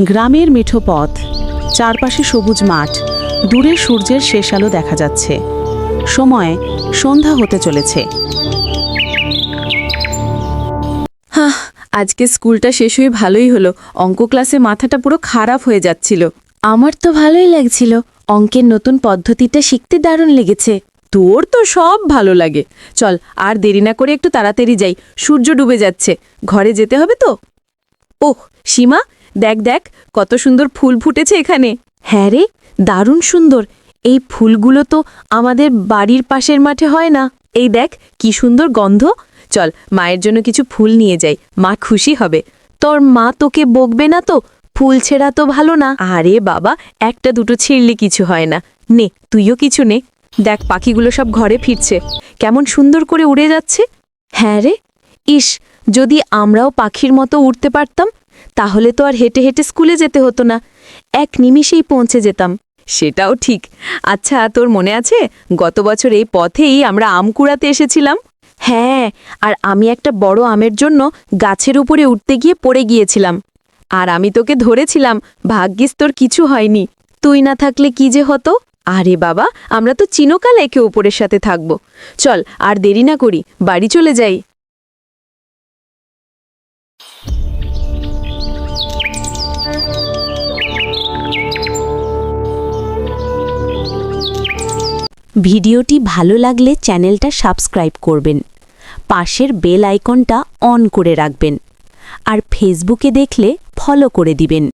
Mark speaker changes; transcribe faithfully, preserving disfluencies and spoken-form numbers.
Speaker 1: গ্রামের মিঠো পথ, চারপাশে সবুজ মাঠ, দূরে সূর্যের শেষ আলো দেখা যাচ্ছে। সময় সন্ধ্যা হতে চলেছে।
Speaker 2: হাহ, আজকে স্কুলটা শেষ হয়ে ভালোই হলো। অঙ্ক ক্লাসে মাথাটা পুরো খারাপ হয়ে যাচ্ছিল। আমার তো ভালোই লাগছিল। অঙ্কের নতুন পদ্ধতিটা শিখতে দারুণ লেগেছে। তোর তো সব ভালো লাগে। চল আর দেরি না করে একটু তাড়াতাড়ি যাই, সূর্য ডুবে যাচ্ছে। ঘরে যেতে হবে তো। ওহ সীমা, দেখ দেখ কত সুন্দর ফুল ফুটেছে এখানে। হ্যাঁ রে, দারুণ সুন্দর। এই ফুলগুলো তো আমাদের বাড়ির পাশের মাঠে হয় না। এই দেখ কি সুন্দর গন্ধ। চল মায়ের জন্য কিছু ফুল নিয়ে যাই, মা খুশি হবে। তোর মা তোকে বকবে না তো? ফুল ছেঁড়া তো ভালো না। আরে বাবা, একটা দুটো ছিঁড়লে কিছু হয় না। নে তুইও কিছু নে। দেখ পাখিগুলো সব ঘরে ফিরছে, কেমন সুন্দর করে উড়ে যাচ্ছে। হ্যাঁ রে, ইস, যদি আমরাও পাখির মতো উড়তে পারতাম, তাহলে তো আর হেঁটে হেঁটে স্কুলে যেতে হতো না, এক নিমিষেই পৌঁছে যেতাম। সেটাও ঠিক। আচ্ছা, তোর মনে আছে গত বছর এই পথেই আমরা আম কুড়াতে এসেছিলাম? হ্যাঁ, আর আমি একটা বড় আমের জন্য গাছের উপরে উঠতে গিয়ে পড়ে গিয়েছিলাম। আর আমি তোকে ধরেছিলাম, ভাগ্যিস তোর কিছু হয়নি। তুই না থাকলে কি যে হতো। আরে বাবা, আমরা তো চিরকাল একে অপরের সাথে থাকব। চল আর দেরি না করি, বাড়ি চলে যাই।
Speaker 3: ভিডিওটি ভালো লাগলে চ্যানেলটা সাবস্ক্রাইব করবেন, পাশের বেল আইকনটা অন করে রাখবেন, আর ফেসবুকে দেখলে ফলো করে দিবেন।